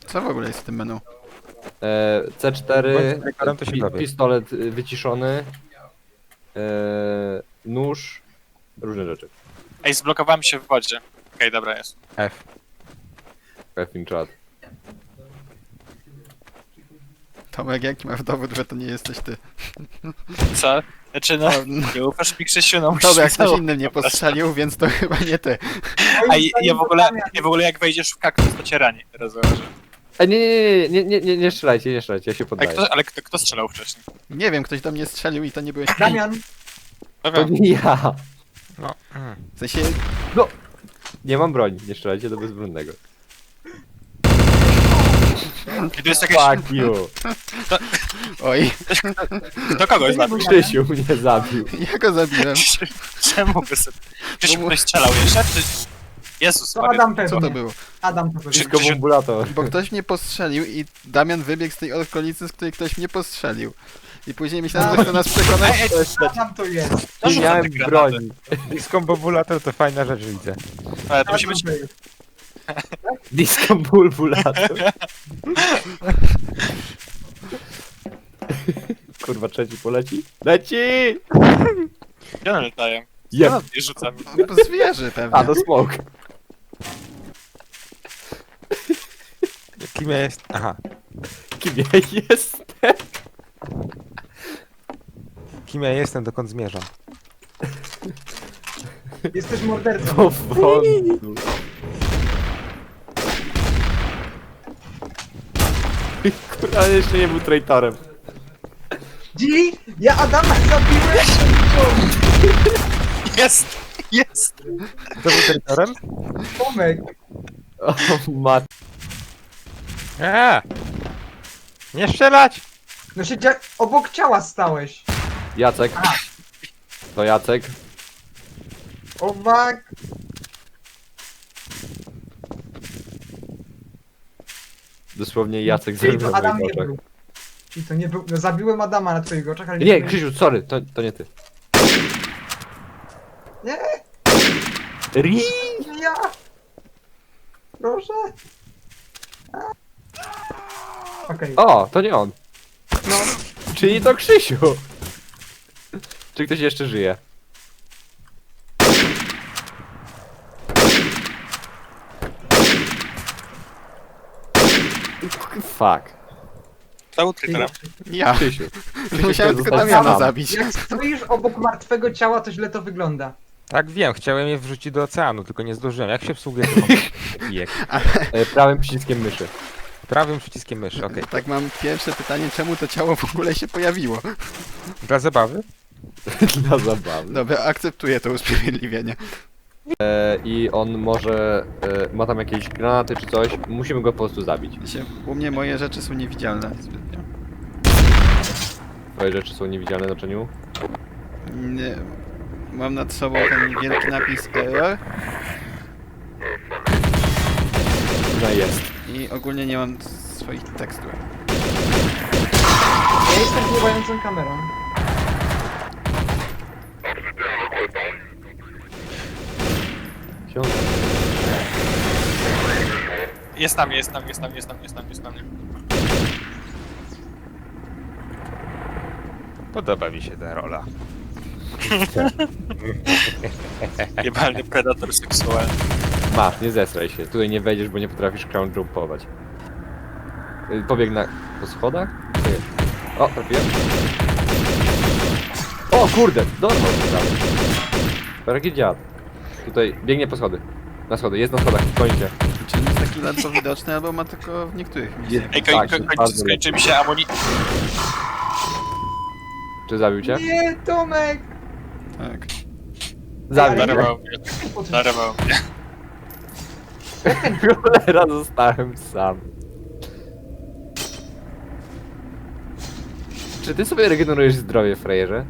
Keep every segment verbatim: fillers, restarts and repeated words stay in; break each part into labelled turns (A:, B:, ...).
A: Co w ogóle jest w tym menu?
B: E, C cztery,
C: Bądź to się
B: pi
C: dowie.
B: pistolet y, wyciszony, e, nóż, różne rzeczy.
D: Ej, zblokowałem się w wodzie. Okej, dobra, jest.
C: F.
B: Effing chat.
A: Tomek, jaki masz dowód, że to nie jesteś ty?
D: Co? Znaczy no, nie ufasz mi, Krzysiu, no musisz
A: Dobra, jak
D: mi
A: ktoś
D: to-
A: inny mnie postrzelił, więc to chyba nie ty.
D: A i- ja w ogóle, ja w ogóle jak wejdziesz w kaktus, to cię rani, teraz zauważy.
B: E, nie, nie, nie, nie, nie, nie strzelajcie, nie strzelajcie, ja się
D: Ale,
B: poddaję.
D: kto, ale kto, kto strzelał wcześniej?
A: Nie wiem, ktoś do mnie strzelił i to nie byłeś ty.
E: Damian,
D: No
B: To
D: wiem.
B: nie ja.
C: No. Mm.
A: W sensie,
B: Nie mam broni, nie strzelajcie do bezbronnego.
D: I tu jest jakaś...
B: Fuck you.
A: oj,
D: Do kogoś zabił.
B: Krzysiu mnie zabił.
A: ja go zabiłem.
D: Czemu by sobie... Krzysiu,
A: Bo-
D: ktoś strzelał jeszcze? Czy... Jezus
E: to
D: Maria.
E: Adam
A: Co
E: pewnie.
A: to było?
E: Adam to pewnie.
B: Wszystko bombulator.
A: Bo ktoś mnie postrzelił i Damian wybiegł z tej okolicy, z której ktoś mnie postrzelił. I później myślałem, że chce nas przekonać.
D: Ej, ej,
E: Adam to jest.
D: to
B: Nie
D: rzucam
B: miałem
D: te granaty.
B: broni.
C: Disco Bobulator to fajna rzecz, widzę.
D: Ale to musi być...
E: Adam to jest.
B: Disco bombulator. Kurwa, trzeci poleci? Leci!
D: Gdzie one latają?
B: Jeb.
D: I rzucam.
A: No, zwierzy pewnie.
B: A, do smoke.
C: Kim ja jest? Aha.
B: Kim ja jestem?
C: Kim ja jestem, dokąd zmierzam?
E: Jesteś mordercą.
B: Do frontu. Kurwa, jeszcze nie był traitorem.
E: Dzi, ja Adama zabiłem!
D: Jest! Jest!
C: Kto był terytorem?
E: Tomek,
B: O, mat.
C: Eee! Nie strzelać!
E: no siedział, obok ciała stałeś.
B: Jacek. To Jacek.
E: Owak.
B: Dosłownie Jacek
E: Czyli
B: zabił
E: to
B: na
E: Adam
B: moich
E: nie
B: oczach.
E: był. Czyli to nie był, no zabiłem Adama na twoich oczach, ale
B: Nie,
E: byłem-
B: Krzysiu, sorry, to, to nie ty.
E: Nie,
B: Ri!
E: nie ja. Proszę. A. Okej,
B: O, to nie on.
E: no.
B: Czyli to Krzysiu. Czy ktoś jeszcze żyje? Fuck.
D: To był traitorem.
A: Ja.
B: Krzysiu.
A: Musiałem tylko
B: zostać
A: Damiana
B: sam.
A: zabić.
E: Jak stoisz obok martwego ciała, to źle to wygląda.
C: Tak wiem, chciałem je wrzucić do oceanu, tylko nie zdążyłem. Jak się obsługuje to kijek?
B: E, prawym przyciskiem myszy.
C: Prawym przyciskiem myszy, okej.
A: Tak, mam pierwsze pytanie, czemu to ciało w ogóle się pojawiło?
C: Dla zabawy?
B: Dla zabawy.
A: Dobra, akceptuję to usprawiedliwienie.
B: E, I on może... E, ma tam jakieś granaty czy coś. Musimy go po prostu zabić.
A: Się, u mnie moje rzeczy są niewidzialne zbytnio.
B: Twoje rzeczy są niewidzialne na naczyniu.
A: Nie, mam nad sobą ten wielki napis error
B: No jest.
A: i ogólnie nie mam swoich tekstur.
E: Ja jestem pływającą kamerą.
B: Ksiądz.
D: Jest na mnie, jest na mnie, jest na mnie, jest na mnie, jest na mnie, jest na mnie.
C: Podoba mi się ta rola.
D: Jebalny predator seksualny.
B: Masz, nie zesraj się. Tutaj nie wejdziesz, bo nie potrafisz crown jumpować. Y, Pobieg na... po schodach? Nie. O, trafiłem. O kurde, dorwał się prawie. Taki dziad. Tutaj, biegnie po schody. Na schody, jest na schodach, kończę.
A: Czy on jest taki ledwo widoczny, albo ma tylko w niektórych miejscach?
D: Ej, koń,
B: Tak,
D: koń,
B: jest
D: koń,
B: bardzo
D: skończy mi się amuni...
B: Czy zabił cię?
E: Nie, Tomek!
A: Tak.
B: Zabił cię.
D: Darował mnie, darował mnie.
B: Cholera, zostałem sam. Czy ty sobie regenerujesz zdrowie, frajerze?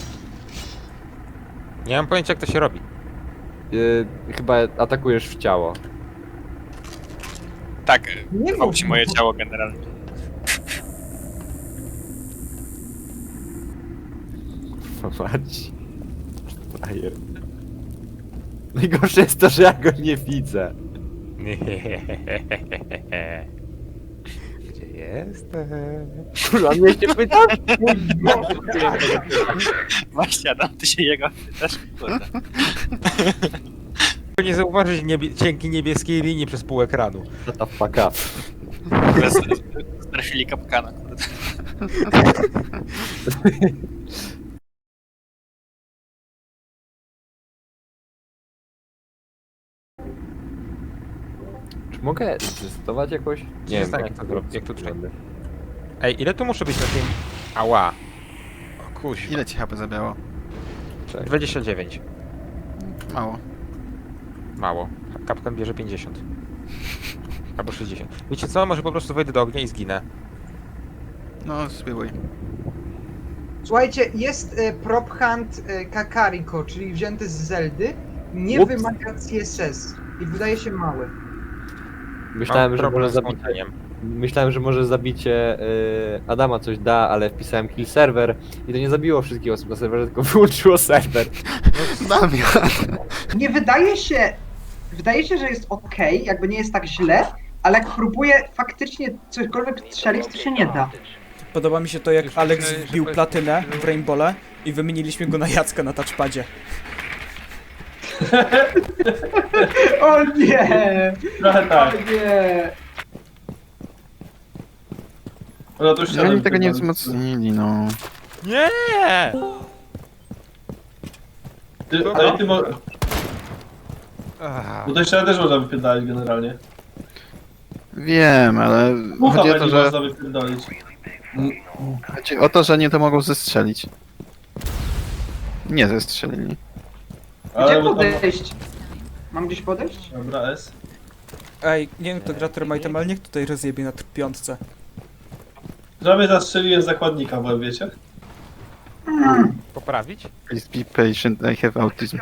C: Nie mam pojęcia, jak to się robi.
B: Yy, chyba atakujesz w ciało.
D: Tak,
E: Nie
D: gwałci
E: mów.
D: moje ciało generalnie.
B: Mać. Frajer. Najgorsze jest to, że ja go nie widzę.
C: Jestem.
B: Kurwa, mnie się pytasz?
D: Właśnie, Adam, ty się jego pytasz? Kurde.
C: Nie zauważyć niebie cienkiej niebieskiej linii przez pół ekranu.
B: Shut the fuck up.
D: Bez- Strafili kapkana, kurde.
B: Czy mogę testować jakoś? Nie wiem,
C: tak,
B: jak
C: jak
B: to
C: to-
B: zrobić.
C: jak to trzeba. Ej, ile tu muszę być na tym? Ała. O kuś.
A: Ile ci H P zabiało?
B: Czekaj.
C: dwadzieścia dziewięć.
A: Mało.
C: Mało. Kapkan bierze pięćdziesiąt. Albo sześćdziesiąt. Wiecie co? Może po prostu wejdę do ognia i zginę.
A: No, spróbuj.
E: Słuchajcie, jest e, prop hunt e, Kakariko, czyli wzięty z Zeldy. Nie
B: Ups.
E: wymaga C S S i wydaje się mały.
B: Myślałem,
C: Mam
B: że
C: problem
B: może
C: z
B: zabicie,
C: włączeniem.
B: myślałem, że może zabicie y, Adama coś da, ale wpisałem kill server i to nie zabiło wszystkich osób na serwerze, tylko wyłączyło serwer.
A: Damian!
E: Nie wydaje się, wydaje się, że jest ok, jakby nie jest tak źle, ale jak próbuję faktycznie cośkolwiek strzelić, to się nie da.
F: Podoba mi się to, jak
C: Już
F: Alex
C: myślałem, że
F: wbił
C: to-
F: platynę w Rainbowle i wymieniliśmy go na Jacka na touchpadzie.
E: O nie!
G: Trochę
E: O
G: tak.
E: nie!
G: No to już
A: No, oni tego nie wzmocnili, no.
C: Nie!
G: Ty, ale ty mo...
C: Ach,
G: Bo to jeszcze też można wypierdalić generalnie.
A: Wiem, ale
G: Mucha
A: chodzi o to,
G: będzie
A: że...
G: można wypierdolić.
A: Chodzi o to, że nie to mogą zestrzelić. Nie zestrzelili.
E: Gdzie
G: bo tam...
E: podejść? Mam gdzieś podejść?
G: Dobra, S.
F: Ej, nie wiem kto gra Termite'em, ale niech tutaj rozjebie na piątce.
G: Prawie zastrzeliłem zakładnika, bo wiecie?
C: poprawić?
A: Please be patient, I have autism.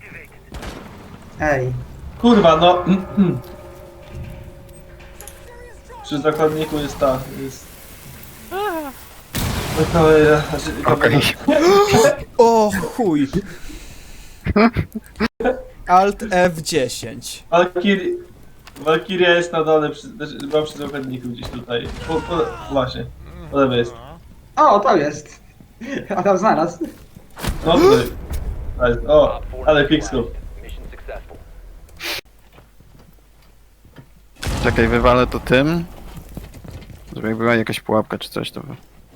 E: Ej.
G: Kurwa, no... Przy zakładniku jest ta, jest... No kamera, znaczy
A: Okej.
G: kamera.
F: O chuj! Alt F dziesięć.
G: Valkyrie... Valkyria jest na dole, przy, znaczy, była przy zakładniku gdzieś tutaj. Po, po, właśnie, po lewej jest.
E: O, to jest. A tam znalazł.
G: No tutaj. A jest- O, ale pixel.
A: Czekaj, wywalę to tym. Żeby jak była jakaś pułapka czy coś, to...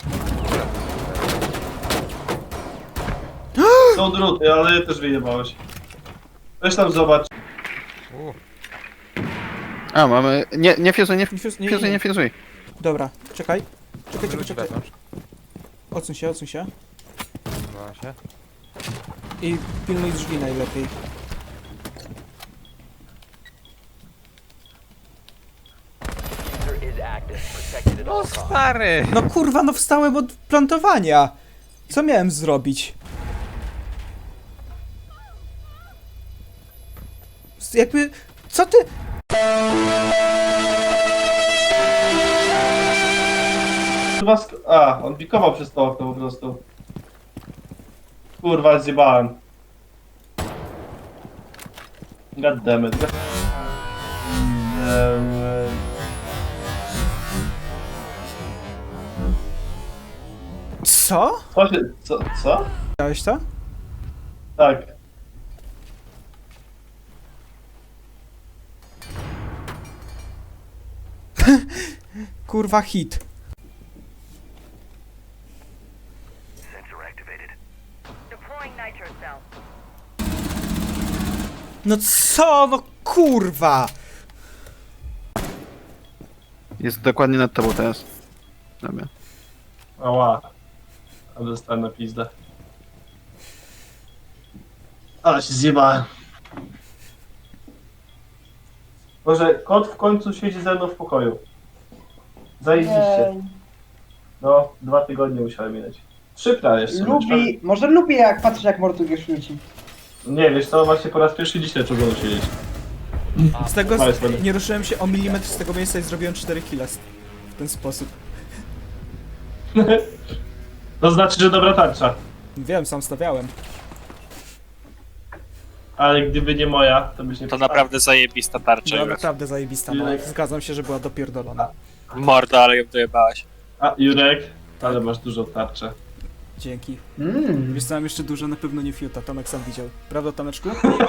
G: Są druty, ale też wyjebałeś. Weź tam zobacz.
C: U,
A: A, mamy... Nie, nie fiuzuj, nie
F: Nie, fuz- nie,
A: fiuzuj,
F: nie,
A: nie fiuzuj.
F: Dobra, czekaj. Czekaj, czekaj,
C: wróć
F: czekaj.
C: wewnątrz.
F: Odsuń się, odsuń się.
C: Zgadza się.
F: I pilnuj drzwi najlepiej.
C: No stary!
F: No kurwa, no wstałem od plantowania! Co miałem zrobić? S- Jakby... Co ty...
G: Chyba sk- A, on pikował przez to okno po prostu. Kurwa, zjebałem. God damn it. Eee,
F: Co?
G: Co się... Co? Co?
F: Widziałeś to?
G: Tak.
F: Kurwa hit.
H: Deploying nitro cell.
F: No co? No kurwa!
A: Jest dokładnie nad tobą teraz. Dobra.
G: Ała. Ale dostałem na pizdę. Ale się zjebałem. Może kot w końcu siedzi ze mną w pokoju. Zajebiście. No, dwa tygodnie musiałem minąć. Trzy prawie w sumie.
E: Lubi, może lubi jak patrzeć jak Mortugiesz rzuci.
G: Nie, wiesz co, właśnie po raz pierwszy dzisiaj czułem go siedzieć.
F: Z tego...
G: Ale sobie.
F: Nie ruszyłem się o milimetr z tego miejsca i zrobiłem cztery killa z- w ten sposób.
G: To znaczy, że dobra tarcza.
F: Wiem, sam stawiałem.
G: Ale gdyby nie moja, to byś nie
D: To
G: postawił.
D: naprawdę zajebista tarcza,
F: Była
D: Jurek.
F: naprawdę zajebista, no. Zgadzam się, że była dopierdolona.
D: Mordo, ale ją dojebałaś.
G: A, Jurek, ale masz dużo tarczę.
F: Dzięki.
E: Mm.
F: Wiesz co, mam jeszcze dużo, na pewno nie fiuta, Tomek sam widział. Prawda, Tomeczku?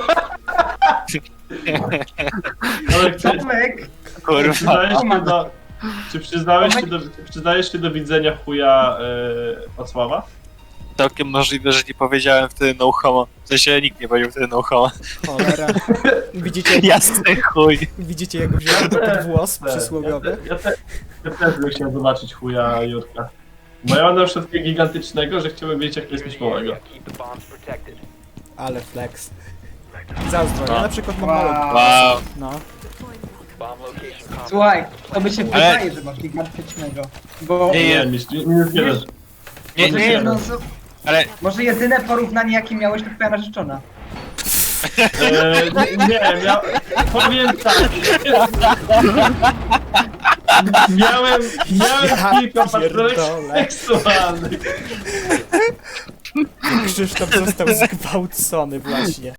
G: Ale czy,
E: Tomek,
D: Kurwa.
G: przyznajesz się do... Czy przyznałeś się do, czy przyznajesz się do widzenia chuja yy, od Sława?
D: Całkiem możliwe, że nie powiedziałem wtedy no homo. W sensie nikt nie powiedział wtedy no homo.
F: Cholera. Widzicie, jak,
D: Jasny chuj.
F: widzicie jak wziąłem do ten włos przysłowiowy?
G: Ja, te, ja, te, ja też bym chciał zobaczyć chuja Jurka. Bo ja mam na przykład takiego gigantycznego, że chciałbym wiedzieć jak to jest mieć małego.
F: Ale flex. Zazdro, ja na przykład mam
E: Wow.
F: małego.
D: Wow.
F: No.
E: słuchaj, to by się
D: Ale-
E: wydaje, że masz gigantycznego. Bo
D: Nie,
G: Nie, mistrz, nie, nie zgadzasz.
D: Nie,
E: może,
D: nie,
E: jedno z,
D: ale
E: może jedyne porównanie jakie miałeś to twoja narzeczona.
G: Eee, nie, nie, mia... powiem tak. Miałem, miałem
F: Ja
G: kilka patrolek
F: pierdolę.
G: seksualnych.
F: Krzysztof został zgwałcony właśnie.